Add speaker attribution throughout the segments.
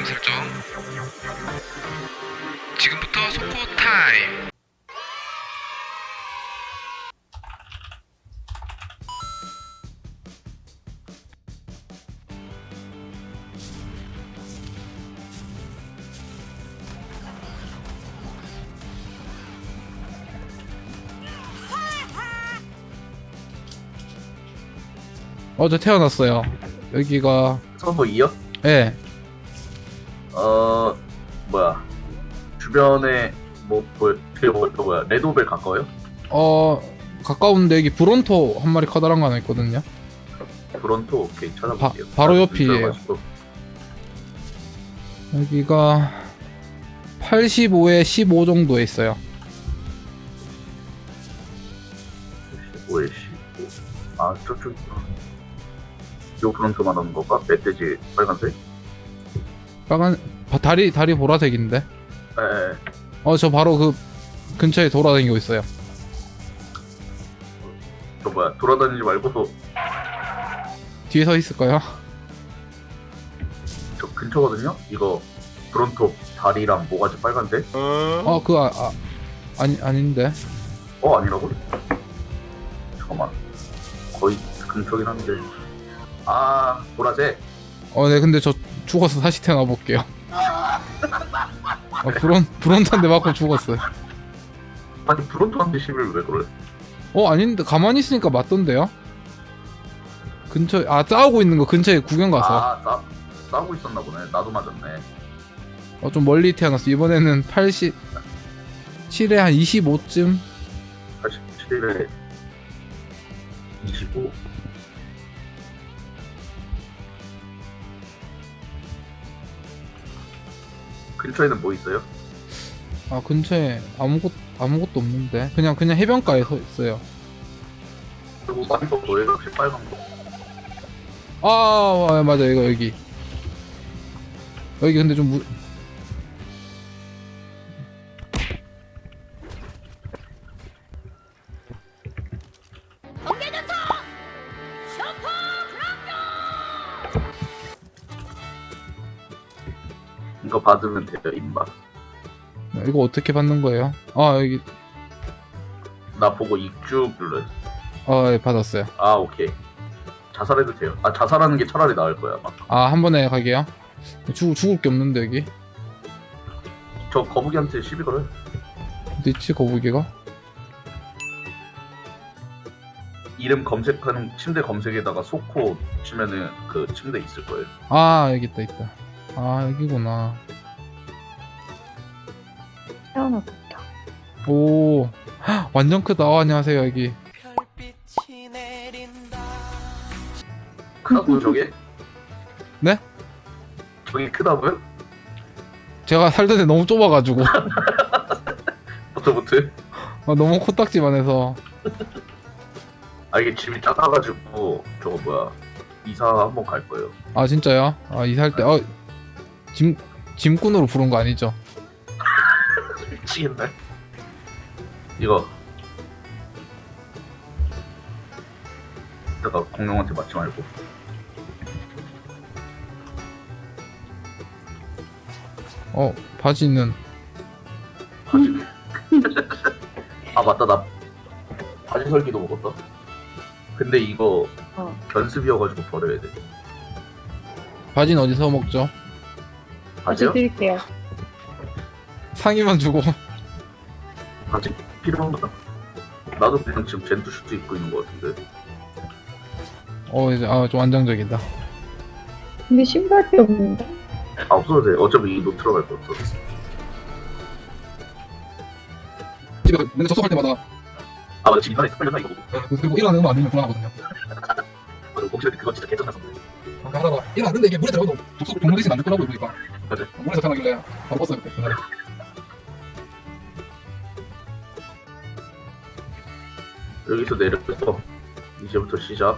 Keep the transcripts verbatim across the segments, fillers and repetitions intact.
Speaker 1: 알람 설정. 지금부터 속보 타임.
Speaker 2: 어제 태어났어요. 여기가
Speaker 3: 서버 이요?
Speaker 2: 예.
Speaker 3: 어 뭐야 주변에 뭐 뭐, 그 뭐, 그 뭐야 레드오벨 가까워요?
Speaker 2: 어 가까운데 여기 브론토 한 마리 커다란 거 하나 있거든요.
Speaker 3: 브론토 오케이 찾아볼게요.
Speaker 2: 바- 바로
Speaker 3: 아,
Speaker 2: 옆이에요.
Speaker 3: 있어가지고.
Speaker 2: 여기가 팔십오에 십오 정도에 있어요.
Speaker 3: 십오에 십오. 아 저쪽 요 브론토 말하는 건가? 멧돼지 빨간색?
Speaker 2: 빨간 바- 다리 다리 보라색인데.
Speaker 3: 에
Speaker 2: 어 저 바로 그 근처에 돌아다니고 있어요.
Speaker 3: 저 뭐야 돌아다니지 말고
Speaker 2: 뒤에 서 있을까요?
Speaker 3: 저 근처거든요? 이거 브론토 다리랑 모가지 빨간데?
Speaker 2: 어 그 아, 아 아니 아닌데.
Speaker 3: 어 아니라고? 잠깐만 거의 근처긴 한데 아 보라색
Speaker 2: 어 네 근데 저 죽어서 다시 태어나 볼게요. 어, 브론 브론토한테 맞고 죽었어요.
Speaker 3: 아니 브론토한테 십일 왜 그래?
Speaker 2: 어 아닌데 가만히 있으니까 맞던데요? 근처에 아 싸우고 있는 거 근처에 구경 가서.
Speaker 3: 아 싸, 싸우고 있었나 보네. 나도 맞았네.
Speaker 2: 어 좀 멀리 태어났어. 이번에는 팔십칠에 한 이십오쯤.
Speaker 3: 팔십칠에 이십오. 근처에는 뭐 있어요?
Speaker 2: 아 근처에 아무것 아무것도 없는데 그냥 그냥 해변가에 서 있어요.
Speaker 3: 그리고 많은 거 뭐예요? 혹시 빨간 거?
Speaker 2: 아, 아 맞아 이거 여기 여기 근데 좀 무...
Speaker 3: 이거 받으면 돼요, 임마.
Speaker 2: 이거 어떻게 받는 거예요? 아 여기
Speaker 3: 나 보고 익쭉 눌러요.
Speaker 2: 아 예, 받았어요.
Speaker 3: 아, 오케이. 자살해도 돼요. 아, 자살하는 게 차라리 나을 거야, 아마.
Speaker 2: 아 한 번에 가게요? 죽 죽을 게 없는데 여기
Speaker 3: 저 거북이한테 시비 걸어요.
Speaker 2: 어디 있지 거북이가?
Speaker 3: 이름 검색하는 침대 검색에다가 소코 치면은 그 침대 있을 거예요.
Speaker 2: 아 여기 있다 있다. 아 여기구나.
Speaker 4: 태어났다.
Speaker 2: 오 헉, 완전 크다. 어, 안녕하세요 여기.
Speaker 3: 크다고요, 저게?
Speaker 2: 네?
Speaker 3: 저게 크다고요?
Speaker 2: 제가 살던 데 너무 좁아가지고
Speaker 3: 버터보트?
Speaker 2: 아, 너무 코딱지만 해서.
Speaker 3: 아, 이게 집이 작아가지고 저거 뭐야 이사 한번 갈 거예요.
Speaker 2: 아 진짜요? 아 이사할 때 어, 짐 짐꾼으로 부른 거 아니죠?
Speaker 3: 미치겠네. 이거 이따가 공룡한테 맞지 말고.
Speaker 2: 어 바지는
Speaker 3: 바지. 아 맞다, 나 바지 설기도 먹었다. 근데 이거
Speaker 4: 어.
Speaker 3: 견습이어가지고 버려야 돼.
Speaker 2: 바지는 어디서 먹죠?
Speaker 4: 다시
Speaker 3: 바지요?
Speaker 4: 드릴게요.
Speaker 2: 상의만 주고.
Speaker 3: 바지 필요한가? 나도 그냥 지금 젠투 슈트 입고 있는 거 같은데.
Speaker 2: 어 이제 아 좀 안정적이다.
Speaker 4: 근데 신발이 없는데?
Speaker 3: 아 없어도 돼. 어차피 이 노트로 갈 거 없어.
Speaker 2: 집에 맨날 접속할 때마다
Speaker 3: 아 맞아, 지금 이번에 스팔렸나 이거 보고.
Speaker 2: 그리고 일어나는 거 안 되면 불안하거든요.
Speaker 3: 맞아, 혹시 그거 진짜 개쩐났었네.
Speaker 2: 그러니까 하다가 일어났는데 이게 물에 들어가도 접속 종료 대신 안될 거라고 그러니까
Speaker 3: 맞아.
Speaker 2: 물에서 태어나길래 바로 껐어요 그때. 그날에.
Speaker 3: 여기서 내려서 이제부터 시작.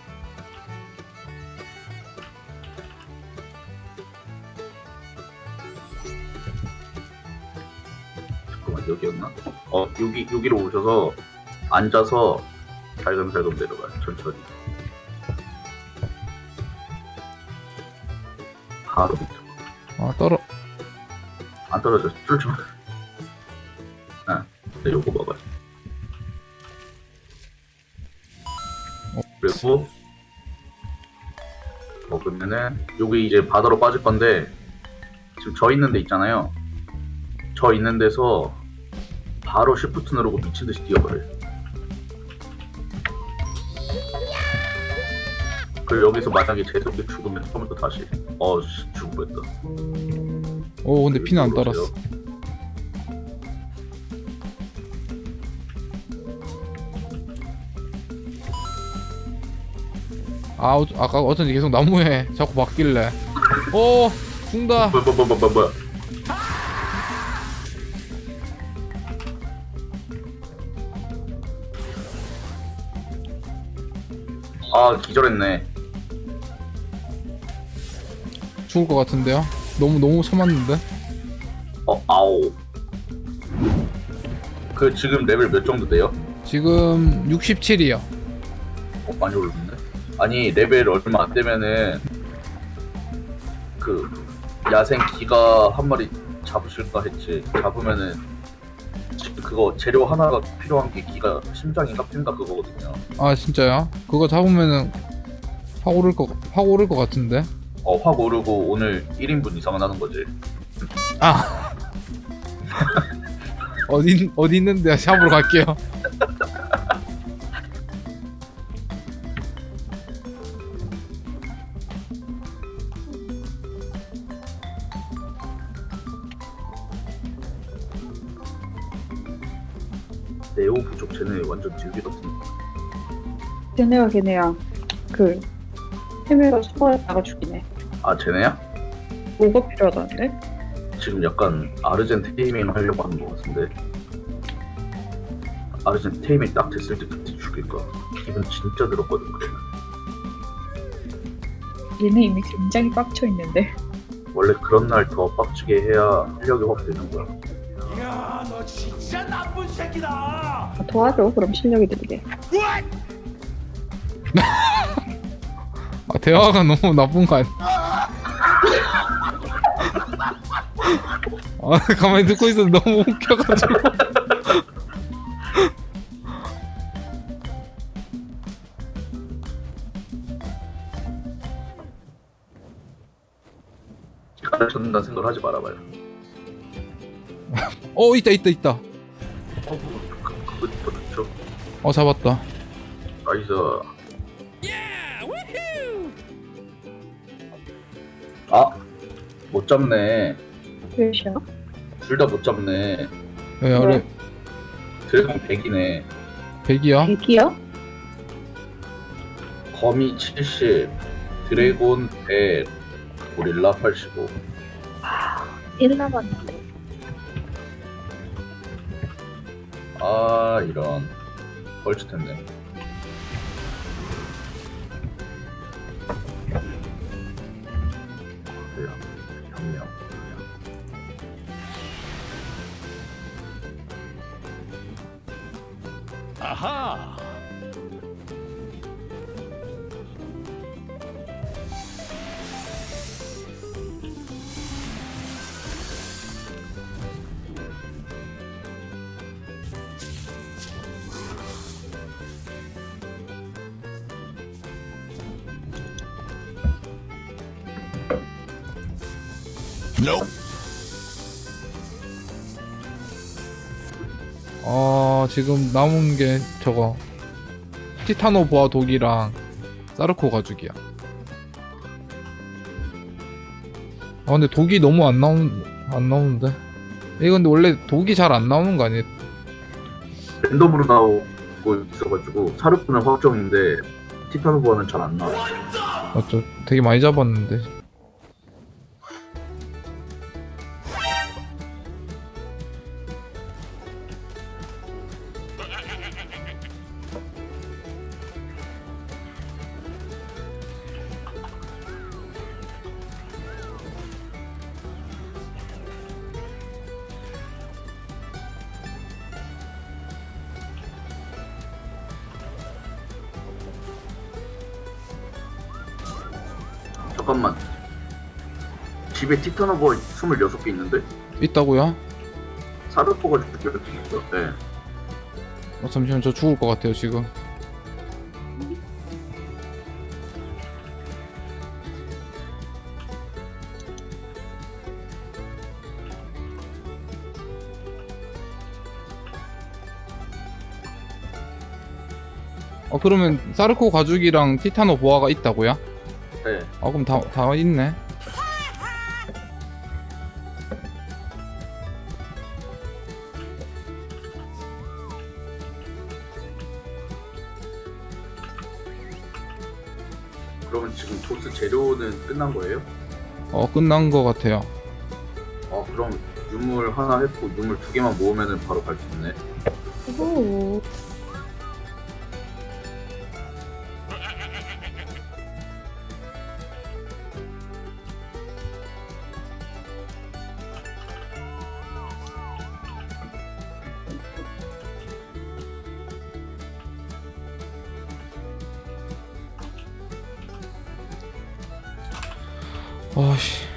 Speaker 3: 잠깐만, 여기였나? 어, 여기 여기로 오셔서 앉아서 살금살금 내려가요. 천천히. 바로 밑으로.
Speaker 2: 아 떨어.
Speaker 3: 안 떨어져. 쫄지 마. 아, 네, 요거 먹어요.
Speaker 2: 어.
Speaker 3: 그리고 먹으면은 여기 이제 바다로 빠질 건데 지금 저 있는 데 있잖아요. 저 있는 데서 바로 쉬프트 누르고 미친 듯이 뛰어버려요. 그리고 여기서 만약에 제속이 죽으면 처음부터 다시 어씨 죽을 뻔했다.
Speaker 2: 오 근데 피는 안 달았어. 아 어, 아까 어쩐지 계속 나무에 자꾸 막길래. 오 죽는다.
Speaker 3: 뭐야 뭐야 뭐야 뭐야 뭐야. 아 기절했네.
Speaker 2: 죽을 것 같은데요? 너무 너무 처맞는데?
Speaker 3: 어 아오. 그 지금 레벨 몇 정도 돼요?
Speaker 2: 지금 육십칠이요.
Speaker 3: 어 많이 올랐네. 아니 레벨 얼마 안 되면은 그 야생 기가 한 마리 잡으실까 했지. 잡으면은 지- 그거 재료 하나가 필요한 게 기가 심장인가 핀가 그거거든요.
Speaker 2: 아 진짜요? 그거 잡으면은 확 오를 거, 확 오를 것 같은데?
Speaker 3: 어 확 오르고 오늘 일 인분 이상은 하는 거지.
Speaker 2: 아 어디 어디 있는데 샵으로 갈게요.
Speaker 3: 네오 부족 쟤네 완전 딜기 같은.
Speaker 4: 걔네가 걔네야. 그 헤매가 수거했다가 죽이네.
Speaker 3: 아 쟤네야?
Speaker 4: 뭐가 필요하다는데?
Speaker 3: 지금 약간 아르젠 테이밍 하려고 하는 것 같은데. 아르젠 테이밍 딱 됐을 때 그때 죽일까? 기분 진짜 들었거든 그래.
Speaker 4: 얘네 이미 굉장히 빡쳐 있는데.
Speaker 3: 원래 그런 날 더 빡치게 해야 실력이 확 되는 거야.
Speaker 5: 야, 너 진짜 나쁜 새끼다.
Speaker 4: 아, 도와줘. 그럼 실력이 들게.
Speaker 2: 아, 대화가 너무 나쁜 거 아니야? 아 가만히 듣고 있어도 너무 웃겨가지고.
Speaker 3: 가르쳤는다는 생각을 하지 말아봐요.
Speaker 2: 어 있다 있다 있다.
Speaker 3: 어, 뭐, 그, 그거 더 좋죠.
Speaker 2: 어 잡았다.
Speaker 3: 나이스. 아, 못 잡네.
Speaker 4: 몇이야?
Speaker 3: 둘 다 못 잡네.
Speaker 2: 네, 어레
Speaker 3: 드래곤 백이네.
Speaker 2: 백이야?
Speaker 4: 백이야?
Speaker 3: 거미 칠십, 드래곤 백, 고릴라 팔십오.
Speaker 4: 일 남았는데.
Speaker 3: 아, 이런. 벌칠 텐데. 그래요. 현명.
Speaker 5: 아하.
Speaker 2: 어 지금 남은 게 저거 티타노 보아 독이랑 사르코 가죽이야. 아 근데 독이 너무 안 나온 안 나오는데. 이거 근데 원래 독이 잘 안 나오는 거 아니에요?
Speaker 3: 랜덤으로 나오고 있어가지고 사르프는 확정인데 티타노보아는 잘 안 나와요.
Speaker 2: 맞죠? 되게 많이 잡았는데.
Speaker 3: 잠깐만. 집에 티타노버 스물여섯 개 있는데?
Speaker 2: 있다고요?
Speaker 3: 사르코가 죽을 수 있어. 네.
Speaker 2: 어, 잠시만 저 죽을 것 같아요 지금. 어 그러면 사르코 가죽이랑 티타노 보아가 있다고요?
Speaker 3: 네.
Speaker 2: 아 그럼 다, 다 있네.
Speaker 3: 그러면 지금 보스 재료는 끝난 거예요?
Speaker 2: 어 끝난 것 같아요.
Speaker 3: 아 그럼 유물 하나 했고 유물 두 개만 모으면은 바로 갈 수 있네.
Speaker 4: 오.
Speaker 2: 아씨